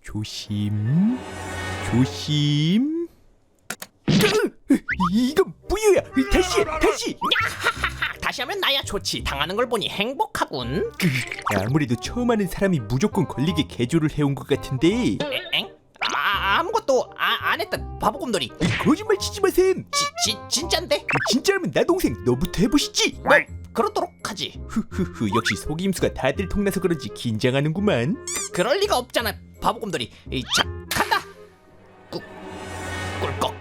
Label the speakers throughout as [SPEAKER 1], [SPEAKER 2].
[SPEAKER 1] 조심, 조심. 이건 무효야. 다시.
[SPEAKER 2] 다시 하면 나야 좋지. 당하는 걸 보니 행복하군.
[SPEAKER 1] 아무래도 처음 하는 사람이 무조건 걸리게 개조를 해온 것 같은데.
[SPEAKER 2] 엥? 아무것도 안 했다. 바보곰돌이.
[SPEAKER 1] 거짓말 치지 마셈.
[SPEAKER 2] 진짠데?
[SPEAKER 1] 진짜라면 나 동생 너부터 해보시지.
[SPEAKER 2] 그러도록 하지.
[SPEAKER 1] 후후후, 역시 속임수가 다들 통나서 그런지 긴장하는구만.
[SPEAKER 2] 그럴 리가 없잖아, 바보곰돌이. 자, 간다. 꿀꺽.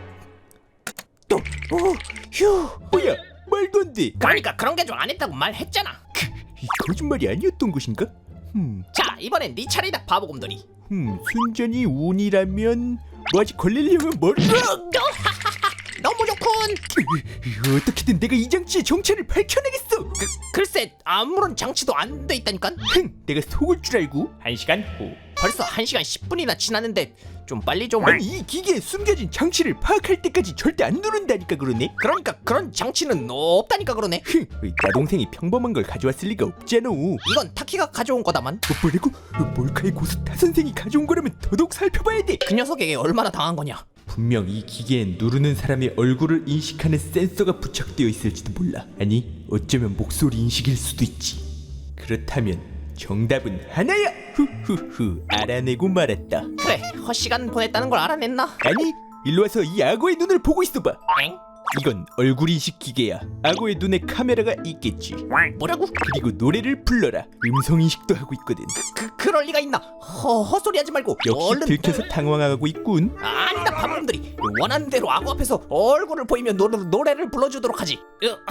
[SPEAKER 1] 휴, 뭐야? 말도 안 돼.
[SPEAKER 2] 그러니까 그런 개조 안 했다고 말했잖아.
[SPEAKER 1] 이 거짓말이 아니었던 것인가?
[SPEAKER 2] 자, 이번엔 네 차례다, 바보곰돌이.
[SPEAKER 1] 순전히 운이라면 뭐 아직 걸리려면
[SPEAKER 2] 너무 좋군.
[SPEAKER 1] 어떻게든 내가 이 장치의 정체를 밝혀내겠어.
[SPEAKER 2] 글쎄, 아무런 장치도 안 돼 있다니까.
[SPEAKER 1] 내가 속을 줄 알고. 1시간 후.
[SPEAKER 2] 벌써 1시간 10분이나 지났는데 좀 빨리 좀.
[SPEAKER 1] 아니, 이 기계에 숨겨진 장치를 파악할 때까지 절대 안 누른다니까 그러네.
[SPEAKER 2] 그러니까 그런 장치는 없다니까 그러네.
[SPEAKER 1] 나 동생이 평범한 걸 가져왔을 리가 없잖아.
[SPEAKER 2] 이건 타키가 가져온 거다만.
[SPEAKER 1] 뭐라고? 몰카의 고수 타 선생이 가져온 거라면 더더욱 살펴봐야 돼.
[SPEAKER 2] 그 녀석에게 얼마나 당한 거냐.
[SPEAKER 1] 분명 이 기계엔 누르는 사람의 얼굴을 인식하는 센서가 부착되어 있을지도 몰라. 아니, 어쩌면 목소리 인식일 수도 있지. 그렇다면 정답은 하나야. 후후후, 알아내고 말았다.
[SPEAKER 2] 그래, 헛시간 보냈다는 걸 알아냈나?
[SPEAKER 1] 아니, 일로 와서 이 악어의 눈을 보고 있어봐.
[SPEAKER 2] 엥?
[SPEAKER 1] 이건 얼굴 인식 기계야. 악어의 눈에 카메라가 있겠지.
[SPEAKER 2] 뭐라고?
[SPEAKER 1] 그리고 노래를 불러라. 음성 인식도 하고 있거든.
[SPEAKER 2] 그럴 리가 있나? 헛소리 하지 말고
[SPEAKER 1] 역시
[SPEAKER 2] 얼른.
[SPEAKER 1] 들켜서 당황하고 있군.
[SPEAKER 2] 아니다, 바보들이. 원하는 대로 악어 앞에서 얼굴을 보이면 노래를 불러주도록 하지.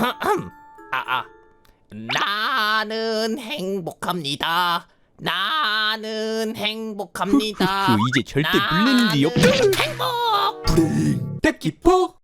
[SPEAKER 2] 나는 행복합니다. 나는 행복합니다.
[SPEAKER 1] 이제 절대 물릴 일이 없다.
[SPEAKER 2] 행복.
[SPEAKER 1] 불행. 딱히 포.